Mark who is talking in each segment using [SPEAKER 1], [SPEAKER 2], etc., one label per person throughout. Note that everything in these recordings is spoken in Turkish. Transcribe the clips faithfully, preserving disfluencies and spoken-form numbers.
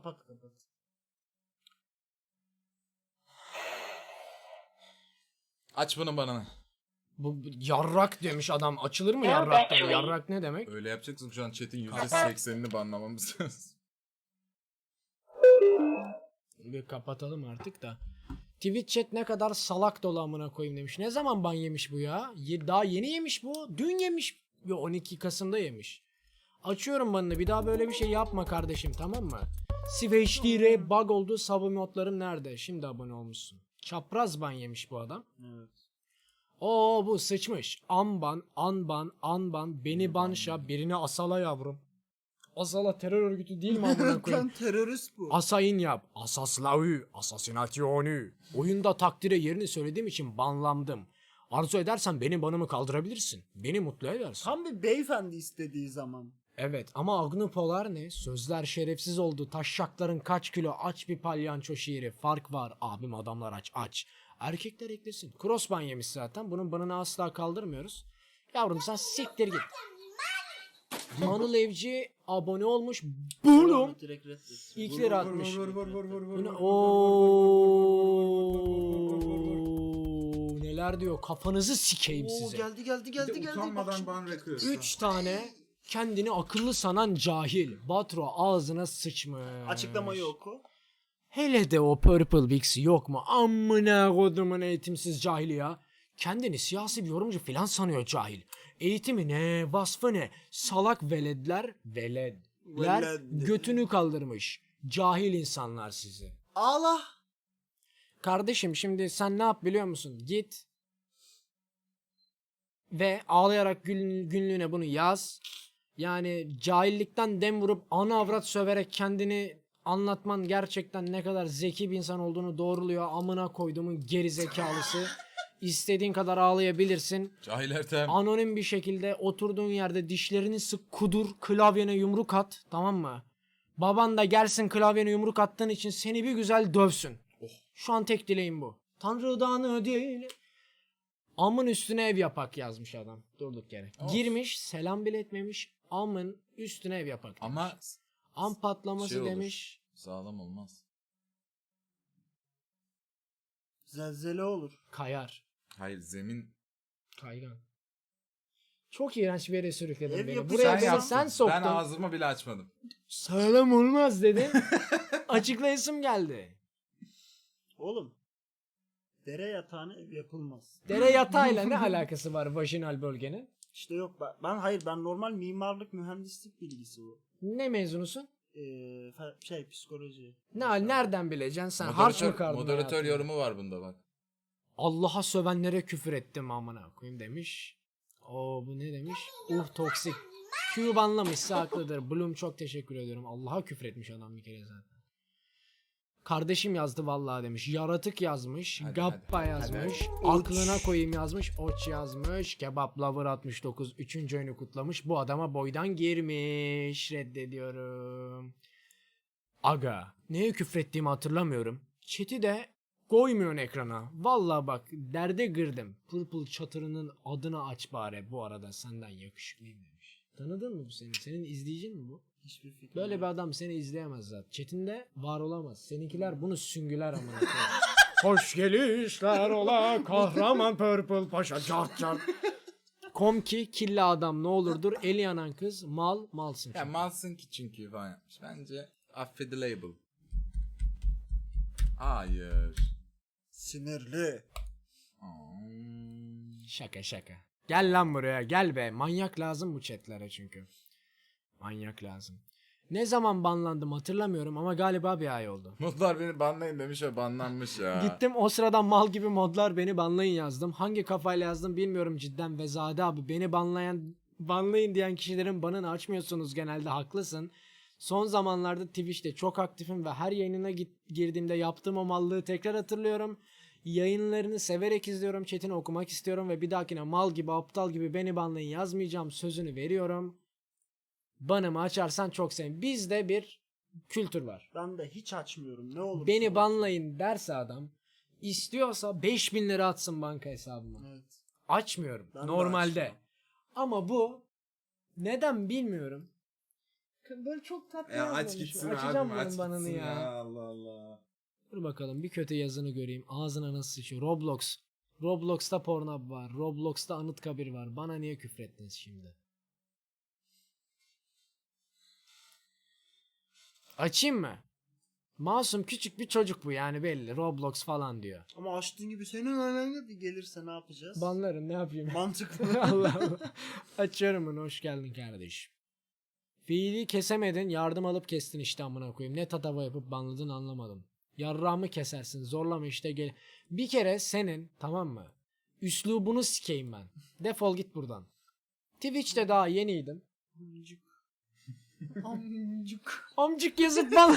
[SPEAKER 1] Kapat kapat.
[SPEAKER 2] Aç bunu bana.
[SPEAKER 3] Bu bu yarrak demiş adam. Açılır mı yarraktan? Yarrak ne demek?
[SPEAKER 2] Öyle yapacaksın, şu an chat'in yüzde seksenini banlamamız lazım.
[SPEAKER 3] Bir kapatalım artık da. Twitch chat ne kadar salak dolu amına koyayım demiş. Ne zaman ban yemiş bu ya? Ye- daha yeni yemiş bu. Dün yemiş. Yo, on iki Kasım'da yemiş. Açıyorum banını. Bir daha böyle bir şey yapma kardeşim, tamam mı? Civ H D R bug oldu. Sub modlarım nerede? Şimdi abone olmuşsun. Çapraz ban yemiş bu adam.
[SPEAKER 1] Evet.
[SPEAKER 3] Oo bu sıçmış. Amban, anban, anban, beni banşa, birini asala yavrum. Asala terör örgütü değil mi amına koyayım?
[SPEAKER 1] Lan terörist bu.
[SPEAKER 3] Asayin yap. Asaslavü. Asasinasyonu. Oyunda takdire yerini söylediğim için banlandım. Arzu edersen benim banımı kaldırabilirsin. Beni mutlu edersin.
[SPEAKER 1] Tam bir beyefendi istediği zaman.
[SPEAKER 3] Evet ama Agnopolar ne? Sözler şerefsiz oldu. Taşşakların kaç kilo, aç bir palyanço şiiri. Fark var abim, adamlar aç aç. Erkekler eklesin. Crossban yemiş zaten. Bunun banını asla kaldırmıyoruz. Yavrum sen siktir git. Manıl Evci abone olmuş. Bulum.
[SPEAKER 1] Direkt reddet.
[SPEAKER 3] İlk lira atmış.
[SPEAKER 2] Vur vur vur vur vur
[SPEAKER 3] Bu ne?
[SPEAKER 2] vur.
[SPEAKER 3] Oo, neler diyor? Kafanızı sikeyim
[SPEAKER 1] Oo,
[SPEAKER 3] size.
[SPEAKER 1] geldi geldi
[SPEAKER 2] Bir
[SPEAKER 1] geldi
[SPEAKER 2] de
[SPEAKER 1] geldi. Bak
[SPEAKER 2] utanmadan
[SPEAKER 1] şimdi.
[SPEAKER 2] ban rekliyorsun.
[SPEAKER 3] Üç tane kendini akıllı sanan cahil. Batro ağzına sıçmış.
[SPEAKER 1] Açıklamayı oku.
[SPEAKER 3] Hele de o Purple Bix'i yok mu? Amına kodumun eğitimsiz cahili ya. Kendini siyasi bir yorumcu falan sanıyor cahil. Eğitimi ne, vasfı ne? Salak veledler, veledler
[SPEAKER 1] Veled.
[SPEAKER 3] götünü kaldırmış. Cahil insanlar sizi.
[SPEAKER 1] Ağla.
[SPEAKER 3] Kardeşim şimdi sen ne yap biliyor musun? Git ve ağlayarak gün, günlüğüne bunu yaz. Yani cahillikten dem vurup ana avrat söverek kendini anlatman gerçekten ne kadar zeki bir insan olduğunu doğruluyor. Amına koyduğumun geri zekalısı. İstediğin kadar ağlayabilirsin.
[SPEAKER 2] Cahil Ertem.
[SPEAKER 3] Anonim bir şekilde oturduğun yerde dişlerini sık, kudur, klavyene yumruk at, tamam mı? Baban da gelsin klavyene yumruk attığın için seni bir güzel dövsün. Şu an tek dileğim bu. Tanrıdan ödül. Amın üstüne ev yapak yazmış adam. Durduk yere.
[SPEAKER 2] Of.
[SPEAKER 3] Girmiş, selam bile etmemiş. Amın üstüne ev yapak demiş.
[SPEAKER 2] Ama
[SPEAKER 3] Am patlaması
[SPEAKER 2] şey olur.
[SPEAKER 3] demiş.
[SPEAKER 2] Sağlam olmaz.
[SPEAKER 1] Zelzele olur.
[SPEAKER 3] Kayar.
[SPEAKER 2] Hayır, zemin.
[SPEAKER 3] Kaygan. Çok iğrenç bir yere sürükledin
[SPEAKER 1] Ev
[SPEAKER 3] beni.
[SPEAKER 1] yapı-
[SPEAKER 3] Buraya
[SPEAKER 1] Sen
[SPEAKER 3] beni
[SPEAKER 1] yaptın.
[SPEAKER 3] sen soktun.
[SPEAKER 2] Ben ağzımı bile açmadım.
[SPEAKER 3] Sağlam olmaz dedin. Açıklayasım geldi.
[SPEAKER 1] Oğlum. Dere yatağına ev yapılmaz.
[SPEAKER 3] Dere yatağıyla ne alakası var vajinal bölgenin?
[SPEAKER 1] İşte yok ben, ben hayır ben normal mimarlık mühendislik bilgisi bu.
[SPEAKER 3] Ne mezunusun?
[SPEAKER 1] Ee, fe- şey psikoloji.
[SPEAKER 3] Ne nereden bileceksin sen? Harç mı
[SPEAKER 2] Moderatör,
[SPEAKER 3] kardın
[SPEAKER 2] moderatör
[SPEAKER 3] hayatında?
[SPEAKER 2] yorumu var bunda bak.
[SPEAKER 3] Allah'a sövenlere küfür ettim amına koyayım demiş. Oo bu ne demiş? Uh toksik. Q banlamışsa haklıdır. Bloom çok teşekkür ediyorum. Allah'a küfür etmiş adam bir kere zaten. Kardeşim yazdı vallahi demiş. Yaratık yazmış.
[SPEAKER 2] Hadi,
[SPEAKER 3] Gappa
[SPEAKER 2] hadi,
[SPEAKER 3] yazmış.
[SPEAKER 1] hadi.
[SPEAKER 3] Aklına koyayım yazmış. Oç yazmış. Kebap Lover altmış dokuz. Üçüncü oyunu kutlamış. Bu adama boydan girmiş. Reddediyorum. Aga. Neye küfrettiğimi hatırlamıyorum. Chat'i de koymuyorsun ekrana. Vallahi bak derde girdim. Purple çatırının adını aç bari. Bu arada senden yakışıklıyım demiş. Tanıdın mı bu seni? Senin izleyicin mi bu?
[SPEAKER 1] Hiçbir fikrim
[SPEAKER 3] Böyle
[SPEAKER 1] yok.
[SPEAKER 3] bir adam seni izleyemez zaten. Chat'inde var olamaz. Seninkiler bunu süngüler amına koyayım. Hoş gelişler ola kahraman Purple Paşa cart cart. Kom ki killa adam ne olurdur. Eli yanan kız mal malsın.
[SPEAKER 2] Ya
[SPEAKER 3] çünkü.
[SPEAKER 2] malsın ki çünkü falan yapmış. Bence affedileable. Hayır.
[SPEAKER 1] Sinirli.
[SPEAKER 2] Hmm.
[SPEAKER 3] Şaka şaka. Gel lan buraya gel be. Manyak lazım bu chatlere çünkü. Manyak lazım. Ne zaman banlandım hatırlamıyorum ama galiba bir ay oldu.
[SPEAKER 2] Modlar beni banlayın demiş ve banlanmış ya.
[SPEAKER 3] Gittim o sırada mal gibi modlar beni banlayın yazdım. Hangi kafayla yazdım bilmiyorum cidden. Vezade abi beni banlayan banlayın diyen kişilerin banını açmıyorsunuz genelde, haklısın. Son zamanlarda Twitch'te çok aktifim ve her yayınına git, girdiğimde yaptığım o mallığı tekrar hatırlıyorum. Yayınlarını severek izliyorum, chatini okumak istiyorum ve bir dahakine mal gibi aptal gibi beni banlayın yazmayacağım sözünü veriyorum. Banımı açarsan çok sevinirim. Bizde bir kültür var.
[SPEAKER 1] Ben de hiç açmıyorum. Ne olur.
[SPEAKER 3] Beni banlayın derse adam, istiyorsa beş bin lira atsın banka hesabıma.
[SPEAKER 1] Evet.
[SPEAKER 3] Açmıyorum
[SPEAKER 1] Ben de
[SPEAKER 3] normalde.
[SPEAKER 1] açmam.
[SPEAKER 3] Ama bu neden bilmiyorum. böyle çok tatlı
[SPEAKER 2] Ya aç
[SPEAKER 3] yazmamış.
[SPEAKER 2] gitsin
[SPEAKER 3] Açacağım
[SPEAKER 2] abim
[SPEAKER 3] bunun
[SPEAKER 2] aç
[SPEAKER 3] banını
[SPEAKER 2] gitsin
[SPEAKER 3] ya.
[SPEAKER 2] ya. Allah Allah.
[SPEAKER 3] Dur bakalım bir kötü yazını göreyim. Ağzına nasıl sıçıyor. Roblox. Roblox'ta Pornhub var. Roblox'ta Anıtkabir var. Bana niye küfrettiniz şimdi? Açayım mı? Masum küçük bir çocuk bu yani belli. Roblox falan diyor.
[SPEAKER 1] Ama açtığın gibi senin annen bir gelirse ne yapacağız?
[SPEAKER 3] Banlarım ne yapayım?
[SPEAKER 1] Mantıklı.
[SPEAKER 3] Allah Allah. Açıyorum bunu. Hoş geldin kardeşim. Fiili kesemedin. Yardım alıp kestin işte amına koyayım. Ne tatava yapıp banladın anlamadım. Yarrağımı kesersin. Zorlama işte gel. Bir kere senin tamam mı? Üslubunu sikeyim ben. Defol git buradan. Twitch'te daha yeniydim.
[SPEAKER 1] Amcık. Amcık.
[SPEAKER 3] Amcık yazıp bana.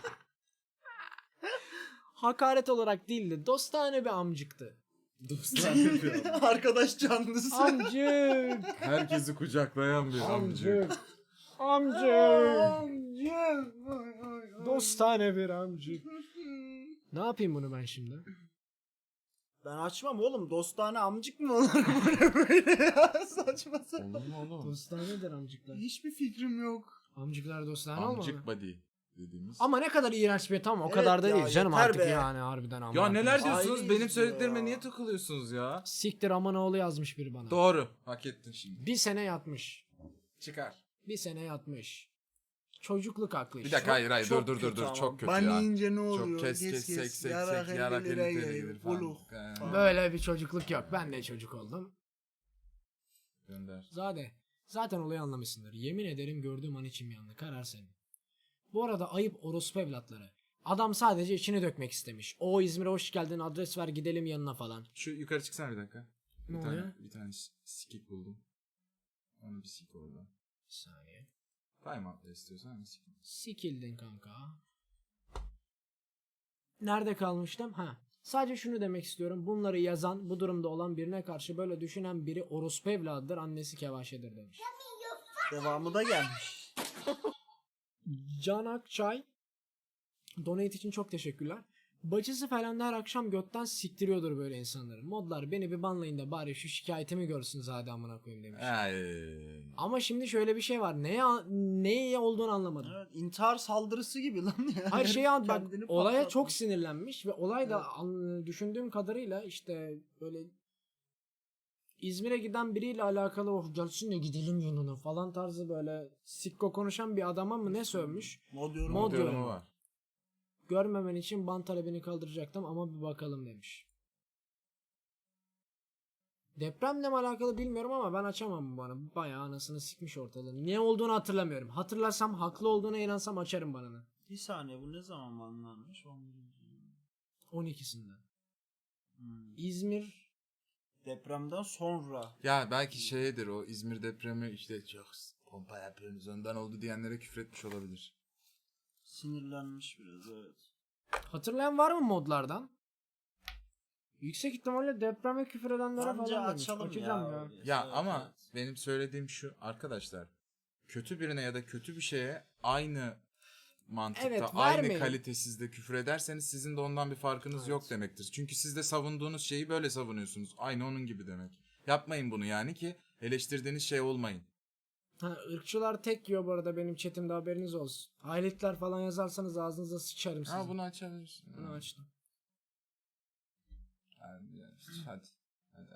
[SPEAKER 3] Hakaret olarak değildi. Dostane bir amcıktı.
[SPEAKER 2] Dostane yapıyor.
[SPEAKER 1] Arkadaş canlısı.
[SPEAKER 3] Amcık.
[SPEAKER 2] Herkesi kucaklayan bir amcık.
[SPEAKER 3] Amcık. Amcık.
[SPEAKER 1] Amcık.
[SPEAKER 3] Dostane bir amcık. Ne yapayım bunu ben şimdi?
[SPEAKER 1] Ben açmam oğlum. Dostane amcık mı olur böyle böyle ya? Saçma sapan.
[SPEAKER 2] Olur mu oğlum?
[SPEAKER 3] Dostanedir amcıklar.
[SPEAKER 1] Hiçbir fikrim yok.
[SPEAKER 3] Amcıklar dostane olmalı.
[SPEAKER 2] Amcık body dediğimiz.
[SPEAKER 3] Ama ne kadar iğrenç bir tamam o
[SPEAKER 1] Evet
[SPEAKER 3] kadar da
[SPEAKER 1] ya,
[SPEAKER 3] değil canım
[SPEAKER 1] yeter
[SPEAKER 3] artık
[SPEAKER 1] be.
[SPEAKER 3] yani harbiden ama.
[SPEAKER 2] Ya neler
[SPEAKER 1] Aile
[SPEAKER 2] diyorsunuz? Benim
[SPEAKER 1] izliyor
[SPEAKER 2] söylediklerime
[SPEAKER 1] ya.
[SPEAKER 2] niye takılıyorsunuz ya?
[SPEAKER 3] Siktir aman oğlu yazmış biri bana.
[SPEAKER 2] Doğru. Hak ettin şimdi.
[SPEAKER 3] Bir sene yatmış.
[SPEAKER 2] Çıkar.
[SPEAKER 3] Bir sene yatmış. Çocukluk aklı
[SPEAKER 2] Bir
[SPEAKER 3] işte.
[SPEAKER 2] dakika hayır hayır dur
[SPEAKER 1] Çok
[SPEAKER 2] dur dur
[SPEAKER 1] kötü
[SPEAKER 2] dur
[SPEAKER 1] ama.
[SPEAKER 2] çok kötü
[SPEAKER 1] Ban
[SPEAKER 2] ya.
[SPEAKER 1] yiyince ne oluyor?
[SPEAKER 2] Çok kes kes sek sek
[SPEAKER 1] yarak
[SPEAKER 2] sek yarak
[SPEAKER 1] elli
[SPEAKER 2] elli
[SPEAKER 1] lira
[SPEAKER 2] TL
[SPEAKER 1] gelir,
[SPEAKER 2] gelir falan.
[SPEAKER 1] uluk.
[SPEAKER 2] Ee,
[SPEAKER 3] Böyle bir çocukluk yok. Ben de çocuk oldum.
[SPEAKER 2] Gönder.
[SPEAKER 3] Zade. Zaten olayı anlamışsındır. Yemin ederim gördüğüm an içim yandı. Karar senin. Bu arada ayıp orospu evlatları. Adam sadece içini dökmek istemiş. O İzmir'e hoş geldin adres ver gidelim yanına falan.
[SPEAKER 2] Şu yukarı çıksana bir dakika. Bir
[SPEAKER 3] Ne
[SPEAKER 2] tane,
[SPEAKER 3] oluyor?
[SPEAKER 2] bir tane s- skip buldum. Onu bir sik orada.
[SPEAKER 3] Bir saniye.
[SPEAKER 2] Time out'la istiyorsan bir sik.
[SPEAKER 3] Sikildin kanka. Nerede kalmıştım? Ha. Sadece şunu demek istiyorum. Bunları yazan, bu durumda olan birine karşı böyle düşünen biri orospu evladıdır, annesi kevaşedir demiş.
[SPEAKER 1] Devamı da gelmiş.
[SPEAKER 3] Can Akçay donate için çok teşekkürler. Bacısı falan da her akşam götten siktiriyordur böyle insanları. Modlar beni bir banlayın da bari şu şikayetimi görsün zaten amına koyayım demiş.
[SPEAKER 2] Ay.
[SPEAKER 3] Ama şimdi şöyle bir şey var. Neye neye olduğunu anlamadım.
[SPEAKER 1] Evet, intihar saldırısı gibi lan ya.
[SPEAKER 3] Hayır şey an bak
[SPEAKER 1] Kendini
[SPEAKER 3] olaya
[SPEAKER 1] patlatmış.
[SPEAKER 3] çok sinirlenmiş ve olay da
[SPEAKER 1] Evet.
[SPEAKER 3] an- düşündüğüm kadarıyla işte böyle İzmir'e giden biriyle alakalı oh gelsin de gidelim yanına falan tarzı böyle sikko konuşan bir adama mı ne sövmüş.
[SPEAKER 1] Mod yorum.
[SPEAKER 3] Mod
[SPEAKER 2] Mod yorumu
[SPEAKER 3] yorumu.
[SPEAKER 2] var.
[SPEAKER 3] Görmemen için ban talebini kaldıracaktım ama bir bakalım demiş. Depremle mi alakalı bilmiyorum ama ben açamam bu bana. Bayağı anasını sikmiş ortalığı. Ne olduğunu hatırlamıyorum. Hatırlasam haklı olduğuna inansam açarım banını.
[SPEAKER 1] Bir saniye bu ne zaman banlanmış? on birinci
[SPEAKER 3] on ikisinde.
[SPEAKER 1] Hmm.
[SPEAKER 3] İzmir
[SPEAKER 1] Depremden sonra.
[SPEAKER 2] Ya belki şeydir o İzmir depremi işte çok pompa yapıyorsunuz ondan oldu diyenlere küfretmiş olabilir.
[SPEAKER 1] Sinirlenmiş biraz evet.
[SPEAKER 3] hatırlayan var mı modlardan? Yüksek ihtimalle depreme küfür edenlere
[SPEAKER 1] Bence
[SPEAKER 3] falan demiş.
[SPEAKER 1] açalım
[SPEAKER 3] Açacağım
[SPEAKER 1] ya.
[SPEAKER 3] ya.
[SPEAKER 1] öyleyse.
[SPEAKER 2] Ya
[SPEAKER 1] Evet,
[SPEAKER 2] ama
[SPEAKER 1] evet.
[SPEAKER 2] benim söylediğim şu arkadaşlar. Kötü birine ya da kötü bir şeye aynı mantıkta,
[SPEAKER 3] Evet,
[SPEAKER 2] aynı
[SPEAKER 3] vermeyin.
[SPEAKER 2] kalitesizde küfür ederseniz sizin de ondan bir farkınız
[SPEAKER 1] Evet.
[SPEAKER 2] yok demektir. Çünkü siz de savunduğunuz şeyi böyle savunuyorsunuz. Aynı onun gibi demek. Yapmayın bunu yani ki eleştirdiğiniz şey olmayın.
[SPEAKER 3] Ha, ırkçılar tek yiyor bu arada benim chatimde haberiniz olsun. Hayletler falan yazarsanız ağzınıza sıçarım sizin.
[SPEAKER 2] Ha bunu açabilirsin.
[SPEAKER 3] Bunu açtım.
[SPEAKER 2] Hadi. Hadi. Hadi.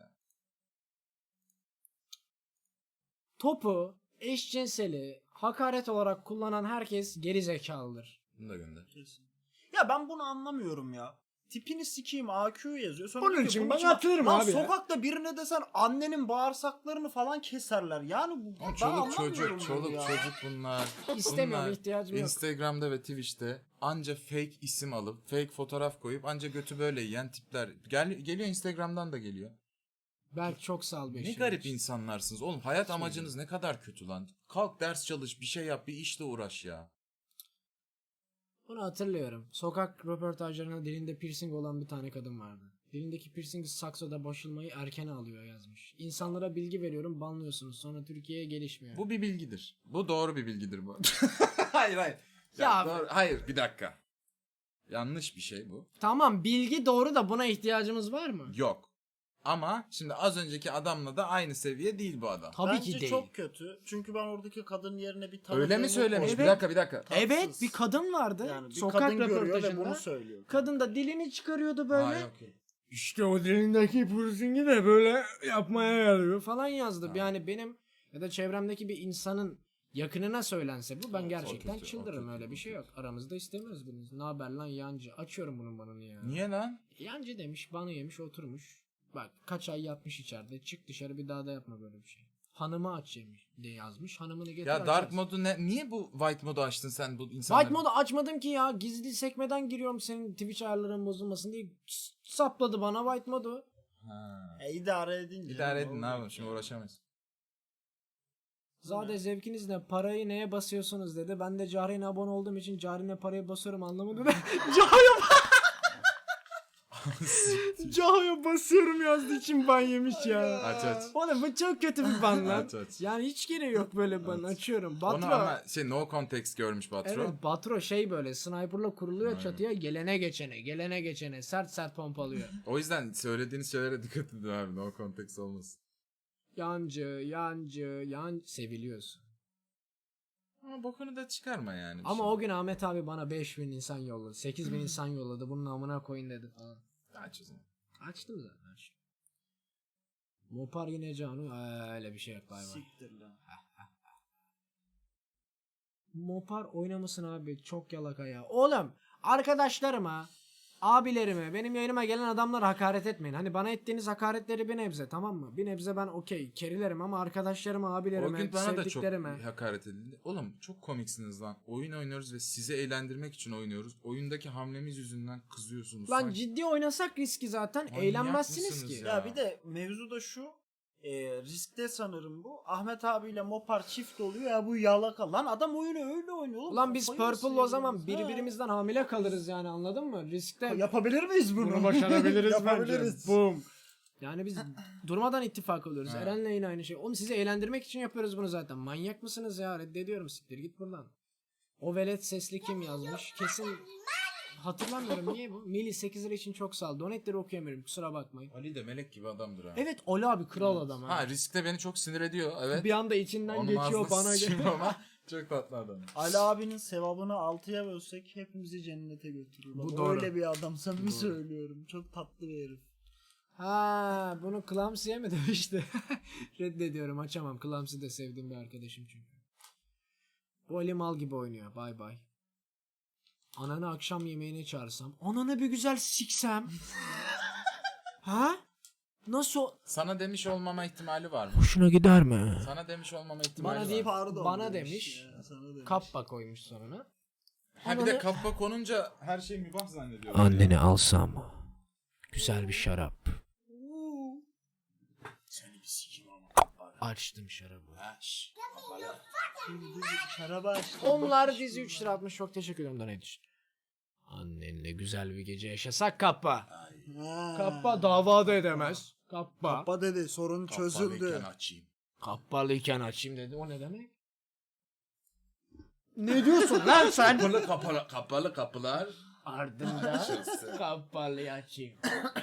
[SPEAKER 3] Topu eşcinseli hakaret olarak kullanan herkes geri zekalıdır.
[SPEAKER 2] Bunu da gönder.
[SPEAKER 1] Kesin. Ya ben bunu anlamıyorum ya. Tipini sikeyim A Q yazıyor. Sonra
[SPEAKER 3] Bunun
[SPEAKER 1] diyor ki,
[SPEAKER 3] için
[SPEAKER 1] bunun
[SPEAKER 3] ben
[SPEAKER 1] için-
[SPEAKER 3] atılırım
[SPEAKER 1] Lan
[SPEAKER 3] abi ya.
[SPEAKER 1] sokakta birine desen annenin bağırsaklarını falan keserler. Yani bu
[SPEAKER 2] Oğlum
[SPEAKER 1] ben
[SPEAKER 2] çoluk
[SPEAKER 1] anlamıyorum
[SPEAKER 2] çocuk,
[SPEAKER 1] bunu
[SPEAKER 2] çoluk
[SPEAKER 1] ya.
[SPEAKER 2] çocuk bunlar.
[SPEAKER 3] İstemiyorum
[SPEAKER 2] Bunlar
[SPEAKER 3] ihtiyacım yok.
[SPEAKER 2] Instagram'da ve Twitch'te anca fake isim alıp fake fotoğraf koyup anca götü böyle yiyen tipler. Gel, geliyor Instagram'dan da geliyor.
[SPEAKER 3] Belki çok sağ ol
[SPEAKER 2] Ne
[SPEAKER 3] beş
[SPEAKER 2] garip insanlarsınız oğlum. Hayat amacınız ne kadar kötü lan. Kalk ders çalış, bir şey yap, bir işle uğraş ya.
[SPEAKER 3] Bunu hatırlıyorum. Sokak röportajlarında dilinde piercing olan bir tane kadın vardı. Dilindeki piercing saksoda boşulmayı erken alıyor yazmış. İnsanlara bilgi veriyorum banlıyorsunuz sonra Türkiye'ye gelişmiyor.
[SPEAKER 2] Bu bir bilgidir. Bu doğru bir bilgidir bu. hayır hayır. Ya,
[SPEAKER 3] Ya-
[SPEAKER 2] doğru- hayır bir dakika. Yanlış bir şey bu.
[SPEAKER 3] Tamam bilgi doğru da buna ihtiyacımız var mı?
[SPEAKER 2] Yok. Ama şimdi az önceki adamla da aynı seviye değil bu adam.
[SPEAKER 3] Tabii
[SPEAKER 1] Bence
[SPEAKER 3] ki değil.
[SPEAKER 1] çok kötü. Çünkü ben oradaki kadının yerine bir tanıdığımı
[SPEAKER 2] Öyle mi söylemiş?
[SPEAKER 1] koydum.
[SPEAKER 2] Bir dakika bir dakika.
[SPEAKER 3] Evet,
[SPEAKER 1] Tatsız.
[SPEAKER 3] bir kadın vardı.
[SPEAKER 1] Yani bir
[SPEAKER 3] sokak
[SPEAKER 1] kadın görüyor ve
[SPEAKER 3] röportajında.
[SPEAKER 1] bunu söylüyor.
[SPEAKER 3] Kadın da dilini çıkarıyordu böyle.
[SPEAKER 2] Ha, yok, yok.
[SPEAKER 3] İşte o dilindeki piercingi de böyle yapmaya yarıyor falan yazdı.
[SPEAKER 2] Ha.
[SPEAKER 3] Yani benim ya da çevremdeki bir insanın yakınına söylense bu ben
[SPEAKER 2] Evet,
[SPEAKER 3] gerçekten
[SPEAKER 2] o kötü, o
[SPEAKER 3] çıldırırım,
[SPEAKER 2] kötü,
[SPEAKER 3] öyle bir
[SPEAKER 2] o
[SPEAKER 3] şey yok. Aramızda istemiyoruz biriniz. Ne haber lan yancı? Açıyorum bunun banını ya.
[SPEAKER 2] Niye lan?
[SPEAKER 3] Yancı demiş, banı yemiş, oturmuş. Bak kaç ay yatmış içeride. Çık dışarı, bir daha da yapma böyle bir şey. Hanımı aç yemiş diye yazmış. Hanımını getir
[SPEAKER 2] Ya dark
[SPEAKER 3] açarız.
[SPEAKER 2] modu ne? Niye bu white modu açtın sen bu insanları?
[SPEAKER 3] White modu açmadım ki ya. Gizli sekmeden giriyorum senin Twitch ayarların bozulmasın diye. S- Sapladı bana white modu.
[SPEAKER 2] Ha.
[SPEAKER 1] E, idare edin.
[SPEAKER 2] İdare
[SPEAKER 1] canım,
[SPEAKER 2] edin ne
[SPEAKER 1] olur.
[SPEAKER 2] yapalım şimdi uğraşamayız.
[SPEAKER 3] Zade zevkiniz ne? Parayı neye basıyorsunuz dedi. Ben de Cahreyn'e abone olduğum için Cahreyn'e parayı basıyorum anlamadı da. Cahreyn'e Cahreyn'e basıyorum yazdığı için ban yemiş ya.
[SPEAKER 2] Aç aç.
[SPEAKER 3] Oğlum bu çok kötü bir ban lan.
[SPEAKER 2] Aç, aç.
[SPEAKER 3] Yani hiç gereği yok böyle ban. Açıyorum. Batro.
[SPEAKER 2] Onu ama şey no context görmüş Batro.
[SPEAKER 3] Evet, Batro şey böyle sniperla kuruluyor
[SPEAKER 2] Aynen.
[SPEAKER 3] çatıya, gelene geçene gelene geçene sert sert pompalıyor.
[SPEAKER 2] O yüzden söylediğiniz şeylere dikkat edin abi no context olmasın.
[SPEAKER 3] Yancı yancı yan seviliyorsun.
[SPEAKER 2] Ama bokunu da çıkarma yani. bir
[SPEAKER 3] Ama
[SPEAKER 2] şey.
[SPEAKER 3] o gün Ahmet abi bana beş bin insan yolladı. sekiz bin insan yolladı. Bunun amına koyun dedi falan.
[SPEAKER 2] Aç o zaman.
[SPEAKER 3] Açtım zaten. açtım. Mopar yine Canu. Ee, öyle bir şey yok bay bay.
[SPEAKER 1] Siktir lan.
[SPEAKER 3] Mopar oynamasın abi. Çok yalaka ya. Oğlum arkadaşlarıma, abilerime, benim yayınıma gelen adamlara hakaret etmeyin. Hani bana ettiğiniz hakaretleri bir nebze, tamam mı? Bir nebze ben okey kerilerim ama arkadaşlarıma,
[SPEAKER 2] O
[SPEAKER 3] abilerime,
[SPEAKER 2] gün bana da çok
[SPEAKER 3] sevdiklerime.
[SPEAKER 2] hakaret edildi. Oğlum çok komiksiniz lan. Oyun oynuyoruz ve sizi eğlendirmek için oynuyoruz. Oyundaki hamlemiz yüzünden kızıyorsunuz.
[SPEAKER 3] Lan
[SPEAKER 2] Sanki-
[SPEAKER 3] ciddi oynasak riski zaten
[SPEAKER 2] Manyak
[SPEAKER 3] eğlenmezsiniz
[SPEAKER 2] mısınız
[SPEAKER 3] ki.
[SPEAKER 2] ya?
[SPEAKER 1] Ya bir de mevzu da şu. E, riskte sanırım bu. Ahmet abiyle Mopar çift oluyor ya, bu yalaka. Lan adam oyunu öyle oynuyor oğlum.
[SPEAKER 3] Ulan biz
[SPEAKER 1] Kafayı
[SPEAKER 3] Purple'la o
[SPEAKER 1] nasıl
[SPEAKER 3] zaman
[SPEAKER 1] yediniz? Ha.
[SPEAKER 3] birbirimizden hamile kalırız yani, anladın mı? Riskte
[SPEAKER 1] Yapabilir miyiz bunu?
[SPEAKER 3] bunu başarabiliriz
[SPEAKER 1] Yapabiliriz.
[SPEAKER 3] bence. Boom. Yani biz durmadan ittifak oluyoruz.
[SPEAKER 2] Ha.
[SPEAKER 3] Eren'le yine aynı şey. Oğlum sizi eğlendirmek için yapıyoruz bunu zaten. Manyak mısınız ya? Reddediyorum, siktir git buradan. O velet sesli kim yazmış? Kesin hatırlamıyorum, niye bu? Mili sekiz lira için çok sağ ol. Donetleri okuyamıyorum, kusura bakmayın.
[SPEAKER 2] Ali de melek gibi adamdır ha.
[SPEAKER 3] Evet Ali abi kral adam ha.
[SPEAKER 2] Ha riskte beni çok sinir ediyor. Evet.
[SPEAKER 3] Bir anda içinden
[SPEAKER 2] Onun
[SPEAKER 3] geçiyor
[SPEAKER 2] ağzına
[SPEAKER 3] bana
[SPEAKER 2] sıçayım
[SPEAKER 3] göre.
[SPEAKER 2] ama çok tatlı adam.
[SPEAKER 1] Ali abinin sevabını altıya bölsek hepimizi cennete götürür.
[SPEAKER 3] Bu
[SPEAKER 1] Bak,
[SPEAKER 3] doğru.
[SPEAKER 1] öyle bir adam, samimi
[SPEAKER 3] Doğru.
[SPEAKER 1] söylüyorum. Çok tatlı bir herif.
[SPEAKER 3] Ha, bunu Clumsy'ye mi demişti? Reddediyorum, açamam. Clumsy de sevdiğim bir arkadaşım çünkü. Bu Ali mal gibi oynuyor. Bay bay. Ananı akşam yemeğine çağırsam. Ananı bir güzel siksem. Ha? Nasıl?
[SPEAKER 2] Sana demiş olmama ihtimali var mı?
[SPEAKER 3] Hoşuna gider mi?
[SPEAKER 2] Sana demiş olmama ihtimali
[SPEAKER 3] Bana
[SPEAKER 2] var
[SPEAKER 3] deyip
[SPEAKER 2] mı?
[SPEAKER 1] Pardon
[SPEAKER 3] bana demiş.
[SPEAKER 1] ya, sana demiş.
[SPEAKER 3] Kappa koymuş sonuna.
[SPEAKER 2] Ha bir de kappa konunca her şey mübah zannediyorum.
[SPEAKER 3] Anneni alsam. Güzel bir şarap.
[SPEAKER 1] Seni bir sikim ama.
[SPEAKER 3] Açtım şarabı.
[SPEAKER 2] Ha, şş.
[SPEAKER 1] Şaraba açtım.
[SPEAKER 3] Onlar dizi üç lira atmış. Çok teşekkür ederim. Ne düşün? Annenle güzel bir gece yaşasak Kappa.
[SPEAKER 1] Ha.
[SPEAKER 3] Kappa davada edemez. Kappa.
[SPEAKER 1] Kappa dedi, sorun çözüldü.
[SPEAKER 2] Kapalıyken açayım.
[SPEAKER 3] Kappalıyken açayım dedi. O ne demek? Ne diyorsun lan sen?
[SPEAKER 2] Kapalı kapalı kapalı kapılar.
[SPEAKER 3] Ardında kapalıyı açayım.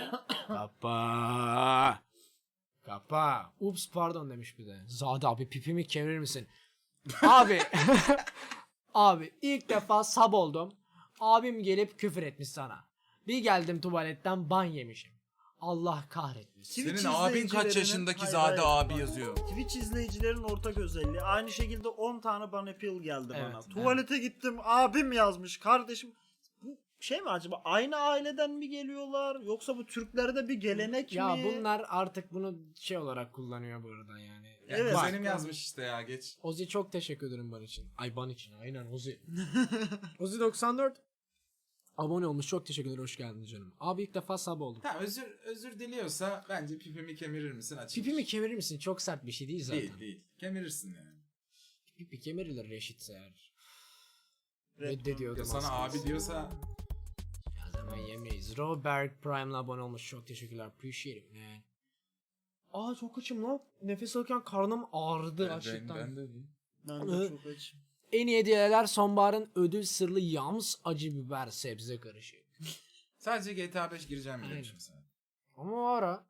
[SPEAKER 3] Kapa. Kapa. Ups pardon demiş bir de. Zade abi pipimi çevirir misin? Abi. Abi ilk defa sab oldum. Abim gelip küfür etmiş sana. Bir geldim tuvaletten ban yemişim. Allah kahretmesin.
[SPEAKER 1] Twitch
[SPEAKER 2] Senin abin kaç
[SPEAKER 1] izleyicilerinin-
[SPEAKER 2] yaşındaki
[SPEAKER 1] Hayır,
[SPEAKER 2] Zade
[SPEAKER 1] hayır,
[SPEAKER 2] abi
[SPEAKER 1] bak.
[SPEAKER 2] yazıyor.
[SPEAKER 1] Twitch izleyicilerin ortak özelliği. Aynı şekilde on tane bana appeal geldi
[SPEAKER 3] Evet,
[SPEAKER 1] bana.
[SPEAKER 3] evet.
[SPEAKER 1] Tuvalete gittim, abim yazmış, kardeşim. Bu şey mi acaba, aynı aileden mi geliyorlar yoksa bu Türklerde bir gelenek
[SPEAKER 3] Ya
[SPEAKER 1] mi?
[SPEAKER 3] bunlar artık bunu şey olarak kullanıyor bu arada yani.
[SPEAKER 1] Evet.
[SPEAKER 2] Evet.
[SPEAKER 1] Bak.
[SPEAKER 2] Benim yazmış işte ya geç.
[SPEAKER 3] Ozi çok teşekkür ederim ban için. Ay ban için aynen Ozi. Ozi doksan dört abone olmuş, çok teşekkür ederim, hoş geldin canım. Abi ilk defa sub oldum.
[SPEAKER 2] Ha özür özür diliyorsa bence pipimi kemirir misin açayım.
[SPEAKER 3] Pipimi kemirir misin? Çok sert bir şey değil zaten.
[SPEAKER 2] Değil değil. Kemirirsin yani.
[SPEAKER 3] Pipi kemirilir reşitse eğer.
[SPEAKER 1] Red
[SPEAKER 3] Reddediyordum
[SPEAKER 2] Ya sana
[SPEAKER 3] aslında.
[SPEAKER 2] abi diyorsa
[SPEAKER 3] Ya zaman yemeyiz. Robert Prime'la abone olmuş, çok teşekkürler. Appreciate it man. Aa çok açım lan. Nefes alırken karnım ağrıdı
[SPEAKER 2] ben,
[SPEAKER 3] açlıktan.
[SPEAKER 2] ben de değil.
[SPEAKER 1] Ben de çok açım.
[SPEAKER 3] En iyi hediyeler sonbaharın ödül sırlı yams acı biber sebze karışık.
[SPEAKER 2] Sadece G T A beş gireceğim
[SPEAKER 3] Aynen.
[SPEAKER 2] demişim sana.
[SPEAKER 3] Ama o ara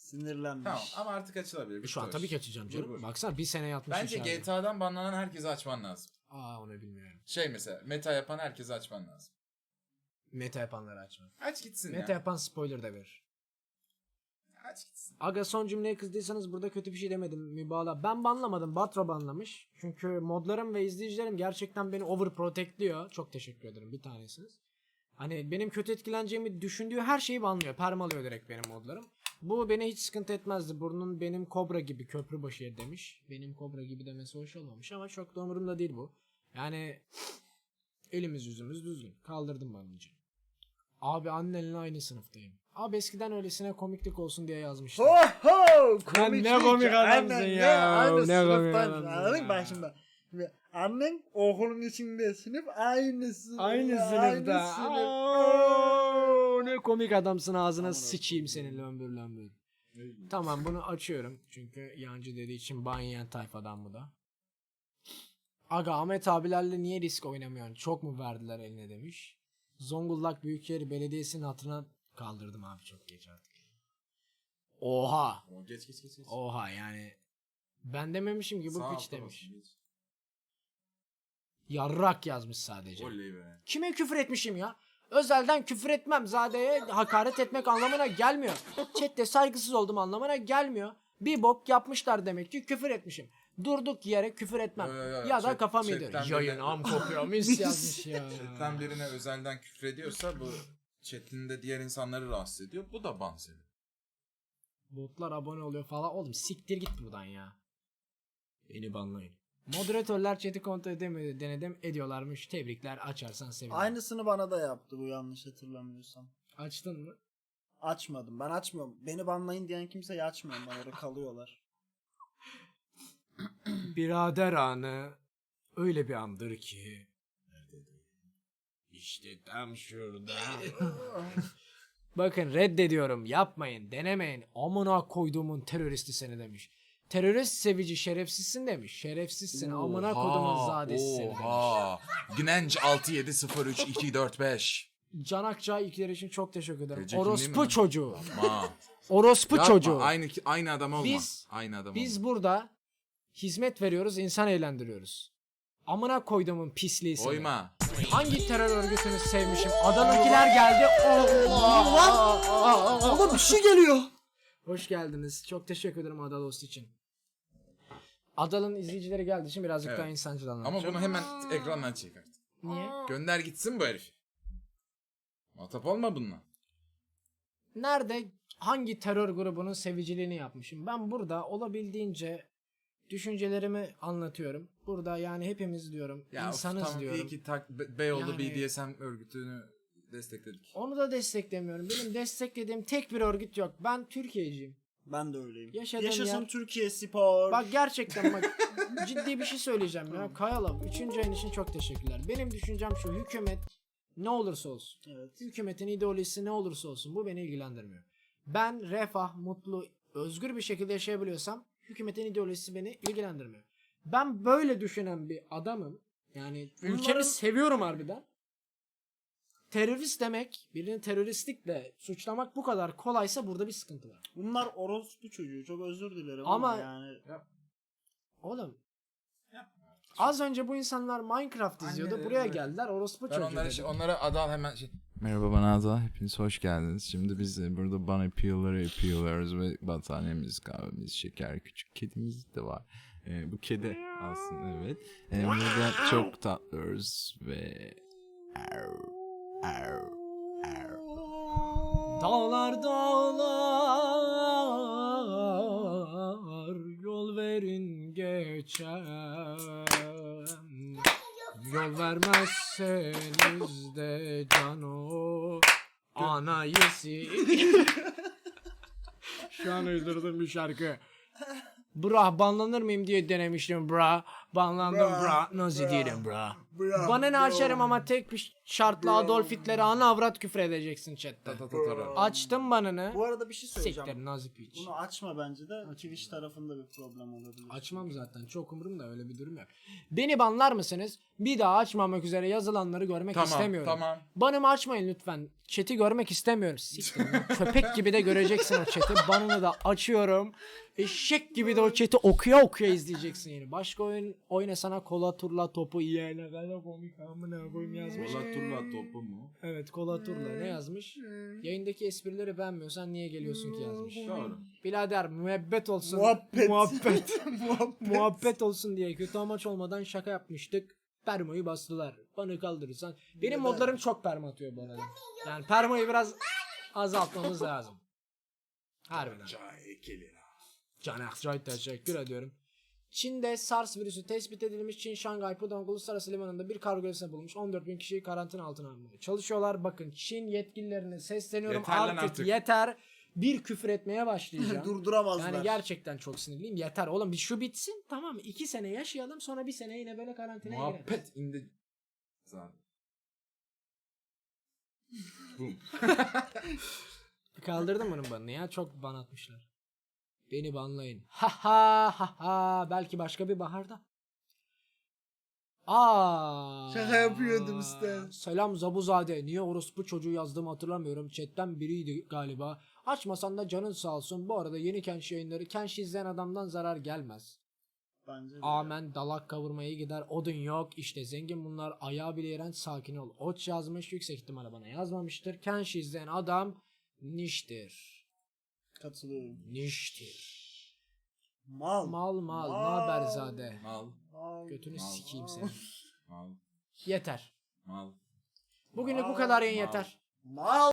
[SPEAKER 1] Sinirlenmiş.
[SPEAKER 2] Tamam ama artık açılabilir. Bitti
[SPEAKER 3] Şu an
[SPEAKER 2] o
[SPEAKER 3] tabii
[SPEAKER 2] iş.
[SPEAKER 3] ki açacağım canım.
[SPEAKER 2] Vur, vur.
[SPEAKER 3] Baksana bir sene yatmış
[SPEAKER 2] Bence
[SPEAKER 3] içeride.
[SPEAKER 2] G T A'dan banlanan herkese açman lazım.
[SPEAKER 3] Aa onu bilmiyorum.
[SPEAKER 2] Şey mesela meta yapan herkese açman lazım.
[SPEAKER 3] Meta yapanları açma.
[SPEAKER 2] Aç gitsin
[SPEAKER 3] Meta
[SPEAKER 2] ya.
[SPEAKER 3] yapan spoiler da verir.
[SPEAKER 2] Aç gitsin.
[SPEAKER 3] Aga son cümleye kızdıysanız burada kötü bir şey demedim mübalağa. Ben banlamadım. Batro banlamış. Çünkü modlarım ve izleyicilerim gerçekten beni overprotectliyor. Çok teşekkür ederim bir tanesiniz. Hani benim kötü etkileneceğimi düşündüğü her şeyi banlıyor. Permalıyor direkt benim modlarım. Bu beni hiç sıkıntı etmezdi. Burnun benim kobra gibi köprü başı yer demiş. Benim kobra gibi demesi hoş olmamış ama çok da umurumda değil bu. Yani elimiz yüzümüz düzgün. Kaldırdım banlıcı. Abi annenle aynı sınıftayım. Abi eskiden öylesine komiklik olsun diye yazmıştım.
[SPEAKER 1] Ho ho!
[SPEAKER 3] Lan ne komik adamsın
[SPEAKER 1] Aynen,
[SPEAKER 3] ya.
[SPEAKER 1] Aynı
[SPEAKER 3] Ne komik
[SPEAKER 1] sınıftan.
[SPEAKER 3] adamsın
[SPEAKER 1] Anladın
[SPEAKER 3] ya.
[SPEAKER 1] mı? Bak şimdi. Şimdi annen okulun içinde sınıf aynı sınıf.
[SPEAKER 3] Aynı
[SPEAKER 1] ya,
[SPEAKER 3] sınıfta.
[SPEAKER 1] Aynı sınıf.
[SPEAKER 3] Aa, ne komik adamsın ağzına sıçayım senin lömbür lömbür. Tamam bunu açıyorum. Çünkü yancı dediği için ban yiyen tayfadan bu da. Aga Ahmet abilerle niye risk oynamıyorsun? Çok mu verdiler eline demiş. Zonguldak Büyükşehir Belediyesi'nin hatırına kaldırdım abi çok geç artık. Oha.
[SPEAKER 2] O geç geç geç. geç.
[SPEAKER 3] Oha yani. Ben dememişim ki bu
[SPEAKER 2] Sağ
[SPEAKER 3] piç
[SPEAKER 2] altta
[SPEAKER 3] demiş.
[SPEAKER 2] basın, geç.
[SPEAKER 3] Yarrak yazmış sadece.
[SPEAKER 2] Oley be.
[SPEAKER 3] Kime küfür etmişim ya? Özelden küfür etmem. Zade'ye hakaret etmek anlamına gelmiyor. Chat'te saygısız oldum anlamına gelmiyor. Bir bok yapmışlar demek ki küfür etmişim. Durduk yere küfür etmem.
[SPEAKER 2] Yo, yo, yo.
[SPEAKER 3] Ya da
[SPEAKER 2] Chat-
[SPEAKER 3] kafam
[SPEAKER 2] chatten
[SPEAKER 3] yedir.
[SPEAKER 2] böyle-
[SPEAKER 3] Yayın am kokuyor mis yazmış ya.
[SPEAKER 2] Chatten birine özelden küfrediyorsa bu chatinde diğer insanları rahatsız ediyor. Bu da ban sebebi.
[SPEAKER 3] Botlar abone oluyor falan. Oğlum siktir git buradan ya. Beni banlayın. Moderatörler chat'i kontrol edemiyor denedim. Ediyorlarmış. Tebrikler. Açarsan sevinirim.
[SPEAKER 1] Aynısını bana da yaptı bu yanlış hatırlamıyorsam.
[SPEAKER 3] Açtın mı?
[SPEAKER 1] Açmadım. Ben açmıyorum. Beni banlayın diyen kimseyi açmıyorum. Ben orada kalıyorlar.
[SPEAKER 3] Birader anı öyle bir andır ki. İşte tam şurada. Bakın reddediyorum. Yapmayın. Denemeyin. Amına koyduğumun teröristi seni demiş. Terörist sevici şerefsizsin demiş. Şerefsizsin. Amına koyduğumun zadesi seni demiş.
[SPEAKER 2] Oha. Gnenc altı yedi sıfır üç iki dört beş.
[SPEAKER 3] Can Akçay ikiler için çok teşekkür ederim.
[SPEAKER 2] Ece kim değil mi
[SPEAKER 3] Orospu
[SPEAKER 2] lan?
[SPEAKER 3] çocuğu.
[SPEAKER 2] Ma.
[SPEAKER 3] Orospu
[SPEAKER 2] Yapma,
[SPEAKER 3] çocuğu.
[SPEAKER 2] Aynı aynı adam olma.
[SPEAKER 3] Biz-
[SPEAKER 2] aynı adam
[SPEAKER 3] Biz
[SPEAKER 2] olma.
[SPEAKER 3] burada hizmet veriyoruz, insan eğlendiriyoruz. Amına koyduğumun pisliği seni.
[SPEAKER 2] Oyma.
[SPEAKER 3] Hangi terör örgütünü sevmişim? Adanınkiler geldi. Allah!
[SPEAKER 1] Oğlum bir şey geliyor.
[SPEAKER 3] Hoş geldiniz. Çok teşekkür ederim Adalos için. Adal'ın izleyicileri geldiği için birazcık
[SPEAKER 2] Evet.
[SPEAKER 3] daha insancıl
[SPEAKER 2] Ama
[SPEAKER 3] anlatacağım.
[SPEAKER 2] bunu hemen ekrandan çek artık.
[SPEAKER 3] Niye?
[SPEAKER 2] Gönder gitsin bu herif. Muhatap olma bununla.
[SPEAKER 3] Nerede hangi terör grubunun seviciliğini yapmışım? Ben burada olabildiğince düşüncelerimi anlatıyorum. Burada yani hepimiz diyorum.
[SPEAKER 2] Ya
[SPEAKER 3] insanız
[SPEAKER 2] of, tamam,
[SPEAKER 3] diyorum.
[SPEAKER 2] iyi ki tak, Be- Beyoğlu
[SPEAKER 3] Yani-
[SPEAKER 2] B D S M örgütünü destekledik.
[SPEAKER 3] Onu da desteklemiyorum. Benim desteklediğim tek bir örgüt yok. Ben Türkiye'ciyim.
[SPEAKER 1] Ben de öyleyim.
[SPEAKER 3] Yaşadığım
[SPEAKER 1] Yaşasın
[SPEAKER 3] yer-
[SPEAKER 1] Türkiye Spor.
[SPEAKER 3] Bak gerçekten bak ciddi bir şey söyleyeceğim ya. Kayalım. Üçüncü ayın için çok teşekkürler. Benim düşüncem şu. Hükümet ne olursa olsun.
[SPEAKER 1] Evet.
[SPEAKER 3] Hükümetin ideolojisi ne olursa olsun. Bu beni ilgilendirmiyor. Ben refah, mutlu, özgür bir şekilde yaşayabiliyorsam hükümetin ideolojisi beni ilgilendirmiyor. Ben böyle düşünen bir adamım. Yani ülkemi
[SPEAKER 1] Bunların-
[SPEAKER 3] seviyorum harbiden. Terörist demek, birini teröristlikle suçlamak bu kadar kolaysa burada bir sıkıntı var.
[SPEAKER 1] Bunlar orospu çocuğu. Çok özür dilerim
[SPEAKER 3] Ama-
[SPEAKER 1] ama, yani.
[SPEAKER 3] Oğlum az önce bu insanlar Minecraft izliyordu.
[SPEAKER 2] Anneleri
[SPEAKER 3] Buraya
[SPEAKER 2] böyle-
[SPEAKER 3] geldiler. Orospu
[SPEAKER 2] Ben
[SPEAKER 3] çocuğu
[SPEAKER 2] onlara,
[SPEAKER 3] dedi.
[SPEAKER 2] şey, onlara Adal hemen şey... Merhaba bana Adal. Hepiniz hoş geldiniz. Şimdi biz de burada bana yapıyorlar yapıyoruz ve battaniyemiz, kahvemiz, şeker, küçük kedimiz de var. Ee, bu kedi aslında evet. Ee, burada çok tatlıyoruz ve... Arr, arr, arr.
[SPEAKER 3] Dağlar dağlar yol verin geçem. Yol vermezseniz de cano anayesi. Şu an uydurdum bir şarkı. Bra banlanır mıyım diye denemiştim bra. Banlandım
[SPEAKER 1] Bra,
[SPEAKER 3] bra. Nasıl
[SPEAKER 1] bra,
[SPEAKER 3] değilim bra.
[SPEAKER 1] bra,
[SPEAKER 3] Bana ne
[SPEAKER 1] bra.
[SPEAKER 3] açarım ama tek bir şartla
[SPEAKER 1] Bra,
[SPEAKER 3] Adolf Hitler'e ana avrat küfür edeceksin chatte.
[SPEAKER 1] Bra.
[SPEAKER 3] Açtım banını.
[SPEAKER 1] Bu arada bir şey söyleyeceğim.
[SPEAKER 3] Siktir nazi piç.
[SPEAKER 1] Bunu açma bence de Twitch tarafında bir problem olabilir.
[SPEAKER 3] Açmam zaten. Çok umurumda öyle bir durum yok. Beni banlar mısınız? Bir daha açmamak üzere yazılanları görmek
[SPEAKER 2] Tamam,
[SPEAKER 3] istemiyorum.
[SPEAKER 2] tamam.
[SPEAKER 3] Banımı açmayın lütfen. Chat'i görmek istemiyorum. Siktir lan. Köpek gibi de göreceksin o chat'i. Banını da açıyorum. Eşek gibi de o chat'i okuya okuya izleyeceksin yani. Başka oyun oynasana kola turla topu iyi ne kadar komik amına koyayım yazmış.
[SPEAKER 2] Kola turla topu mu?
[SPEAKER 3] Evet kola turla ne yazmış? Yayındaki esprileri beğenmiyorsan niye geliyorsun ki yazmış.
[SPEAKER 2] Doğru.
[SPEAKER 3] Birader müebbet olsun.
[SPEAKER 1] Muhabbet.
[SPEAKER 3] Muhabbet.
[SPEAKER 1] Muhabbet.
[SPEAKER 3] Muhabbet olsun diye kötü amaç olmadan şaka yapmıştık. Permayı bastılar. Bana kaldırırsan. Benim modlarım çok perma atıyor bu arada. Yani permayı biraz azaltmamız lazım. Harbiden. Can Akçay teşekkür ediyorum. Çin'de SARS virüsü tespit edilmiş. Çin Şangay Pudong Uluslararası Limanı'nda bir kargo gemisine bulmuş. on dört bin kişiyi karantina altına almaya çalışıyorlar. Bakın Çin yetkililerine sesleniyorum.
[SPEAKER 2] Yeter lan
[SPEAKER 3] artık,
[SPEAKER 2] artık.
[SPEAKER 3] yeter. Bir küfür etmeye başlayacağım.
[SPEAKER 1] Durduramazlar.
[SPEAKER 3] Yani gerçekten çok sinirliyim. Yeter oğlum bir şu bitsin. Tamam iki sene yaşayalım sonra bir sene yine böyle karantinaya girelim.
[SPEAKER 2] Muhabbet indi. Zaten. Boom.
[SPEAKER 3] Kaldırdım bunun banını ya. Çok ban atmışlar. Beni banlayın. Ha ha ha ha. Belki başka bir baharda. Aa.
[SPEAKER 1] Şaka yapıyordum işte.
[SPEAKER 3] Selam Zabuzade. Niye orospu çocuğu yazdığımı hatırlamıyorum. Chatten biriydi galiba. Açmasan da canın sağ olsun. Bu arada yeni Kenshi yayınları. Kenshi izleyen adamdan zarar gelmez.
[SPEAKER 1] Bence de.
[SPEAKER 3] Amen dalak kavurmaya gider. Odun yok. İşte zengin bunlar. Ayağı bile iğrenç. Sakin ol. Oç yazmış. Yüksek ihtimalle bana yazmamıştır. Kenshi izleyen adam niştir.
[SPEAKER 1] Katılıyorum.
[SPEAKER 3] Niştir.
[SPEAKER 1] Mal.
[SPEAKER 3] Mal mal. Naberzade.
[SPEAKER 2] Mal.
[SPEAKER 1] Mal.
[SPEAKER 3] Götünü
[SPEAKER 2] Mal.
[SPEAKER 3] sikeyim seni.
[SPEAKER 2] Mal.
[SPEAKER 3] Yeter.
[SPEAKER 2] Mal.
[SPEAKER 3] Bugünlük bu kadar yayın
[SPEAKER 2] Mal.
[SPEAKER 3] yeter.
[SPEAKER 1] Mal.